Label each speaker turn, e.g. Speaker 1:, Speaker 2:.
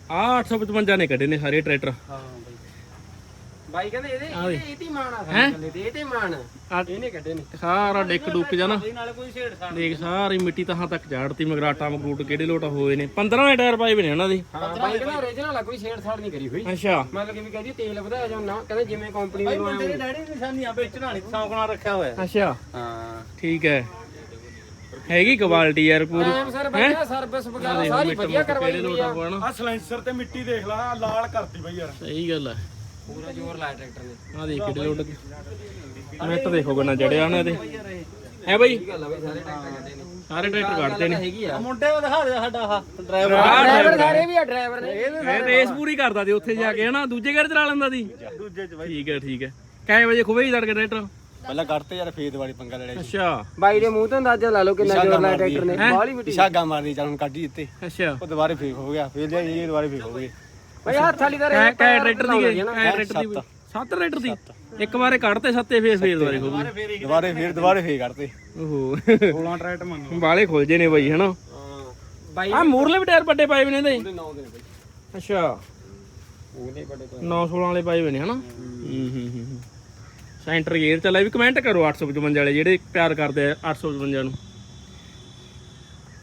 Speaker 1: ਆ 855 ਨੇ ਕੱਢੇ ਨੇ ਸਾਰੇ ਟਰੈਕਟਰ।
Speaker 2: ਹਾਂ ਬਾਈ ਕਹਿੰਦੇ ਇਹਦੇ ਮਾਣ ਆ ਸਾਡੇ ਤੇ ਇਹਦੇ ਮਾਣ ਇਹਨੇ ਕੱਢੇ ਨੇ
Speaker 1: ਸਾਰਾ ਡਿੱਕ ਡੁੱਕ ਜਾ ਨਾ
Speaker 2: ਨਾਲੇ ਕੋਈ ਛੇੜਛਾੜ
Speaker 1: ਦੇਖ ਸਾਰੀ ਮਿੱਟੀ ਤਾਂ ਤੱਕ ਝਾੜਤੀ ਮਗਰਾਟਾ ਮਗਰੂਟ ਕਿਹੜੇ ਲੋਟ ਹੋਏ ਨੇ 15 ਦੇ ਟਾਇਰ ਪਾਏ ਵੇ ਨੇ ਉਹਨਾਂ ਦੇ।
Speaker 2: ਹਾਂ ਬਾਈ ਕਹਿੰਦਾ ਓਰੀਜਨਲ ਆ ਕੋਈ ਛੇੜਛਾੜ ਨਹੀਂ ਕਰੀ ਹੋਈ।
Speaker 1: ਅੱਛਾ
Speaker 2: ਮਤਲਬ ਕਿ ਵੀ ਕਹਿੰਦੀ ਤੇਲ ਵਧਾਇਆ ਜਾਂ ਨਾ ਕਹਿੰਦੇ ਜਿਵੇਂ ਕੰਪਨੀ ਨੂੰ ਆਇਆ
Speaker 3: ਤੇਰੇ ਡੈਡੀ ਦੀ ਨਿਸ਼ਾਨੀਆਂ ਵੇਚਣਾ ਨਹੀਂ ਸੌਂਕਣਾ ਰੱਖਿਆ ਹੋਇਆ।
Speaker 1: ਅੱਛਾ
Speaker 2: ਹਾਂ
Speaker 1: ਠੀਕ ਹੈ ਹੈਗੀ ਕੁਆਲਿਟੀ ਯਾਰ ਪੂਰੀ।
Speaker 2: ਟਾਈਮ ਸਰ ਵਧੀਆ ਸਰਵਿਸ ਵਗੈਰਾ ਸਾਰੀ ਵਧੀਆ ਕਰਵਾਈ ਹੋਈ ਆ।
Speaker 3: ਆ ਸਲੈਂਸਰ ਤੇ ਮਿੱਟੀ ਦੇਖ ਲਾ ਲਾਲ ਕਰਤੀ ਬਾਈ ਯਾਰ।
Speaker 1: ਸਹੀ ਗੱਲ ਹੈ
Speaker 2: ਪੂਰਾ ਜ਼ੋਰ ਲਾਇਆ ਟਰੈਕਟਰ ਨੇ।
Speaker 1: ਆ ਦੇਖ ਕਿਹੜੇ ਲੋਟ ਮਿੱਟ ਦੇਖੋ ਕਿੰਨਾ ਜੜਿਆ ਉਹਨਾਂ ਦੇ ਹੈ ਬਾਈ।
Speaker 2: ਗੱਲ ਆ ਬਈ ਸਾਰੇ ਟਰੈਕਟਰ ਕੱਢੇ ਨੇ
Speaker 1: ਸਾਰੇ ਟਰੈਕਟਰ ਕੱਢਦੇ ਨੇ।
Speaker 2: ਹੈਗੀ ਆ
Speaker 3: ਮੁੰਡੇ ਉਹ ਦਿਖਾ ਦੇ ਸਾਡਾ ਆਹ ਡਰਾਈਵਰ।
Speaker 2: ਡਰਾਈਵਰ ਸਾਰੇ ਵੀ ਆ ਡਰਾਈਵਰ ਨੇ।
Speaker 1: ਇਹ ਰੇਸ ਪੂਰੀ ਕਰਦਾ ਤੇ ਉੱਥੇ ਜਾ ਕੇ ਹਨਾ ਦੂਜੇ ਗੇਅਰ ਚਲਾ ਲੈਂਦਾ ਸੀ।
Speaker 3: ਦੂਜੇ ਚ ਬਾਈ
Speaker 1: ਠੀਕ ਹੈ ਠੀਕ ਹੈ ਕਿੰਨੇ ਵਜੇ ਖੁਬੇ ਹੀ ਤੜਕੇ ਟਰੈਕਟਰ।
Speaker 3: ਪਹਿਲਾਂ ਕੱਢਤੇ ਯਾਰ ਫੇਦ ਵਾਲੀ ਪੰਗਾ ਲੜਿਆ
Speaker 1: ਅੱਛਾ
Speaker 2: ਬਾਈ ਦੇ ਮੂੰਹ ਤੋਂ ਅੰਦਾਜ਼ਾ ਲਾ ਲਓ ਕਿੰਨਾ ਜ਼ੋਰ ਲਾਇਆ ਟਰੈਕਟਰ ਨੇ। ਬਾਹਲੀ ਮਿੱਟੀ
Speaker 3: ਛਾਗਾ ਮਾਰਨੀ ਚੱਲ ਹੁਣ ਕੱਢੀ ਦਿੱਤੇ
Speaker 1: ਅੱਛਾ
Speaker 3: ਉਹ ਦੁਬਾਰੇ ਫੇਕ ਹੋ ਗਿਆ ਫੇਰ ਲਿਆ ਇਹ ਦੁਬਾਰੇ ਫੇਕ ਹੋ ਗਏ।
Speaker 2: ਬਈ ਹੱਥ ਵਾਲੀ ਦਾ
Speaker 1: ਕੈ ਟਰੈਕਟਰ ਦੀ ਗਏ ਕੈ ਟਰੈਕਟਰ ਦੀ 7 ਟਰੈਕਟਰ ਦੀ ਇੱਕ ਵਾਰੇ ਕੱਢਤੇ ਸੱਤੇ ਫੇਰ ਦੁਬਾਰੇ ਖੁਬੇ
Speaker 3: ਦੁਬਾਰੇ ਫੇਰ ਕੱਢਤੇ।
Speaker 1: ਓਹੋ
Speaker 3: 16 ਟਰੈਕਟਰ ਮੰਗੋ
Speaker 1: ਬਾਲੇ ਖੁੱਲ ਜੇ ਨੇ ਬਾਈ ਹਨਾ।
Speaker 2: ਹਾਂ ਬਾਈ
Speaker 1: ਆ ਮੂਰਲੇ ਵੀ ਟਾਇਰ ਵੱਡੇ ਪਾਏ ਵੇ ਨੇ ਇਹਦੇ।
Speaker 2: 9 ਦਿਨ ਬਾਈ
Speaker 1: ਅੱਛਾ
Speaker 2: ਉਹਨੇ ਬੜੇ
Speaker 1: 916 ਵਾਲੇ ਪਾਏ ਵੇ ਨੇ ਹਨਾ। ਸੈਂਟਰ ਗੇਅਰ ਚੱਲਿਆ ਵੀ ਕਮੈਂਟ ਕਰੋ 855 ਵਾਲੇ ਜਿਹੜੇ ਪਿਆਰ ਕਰਦੇ ਆ 855 ਨੂੰ।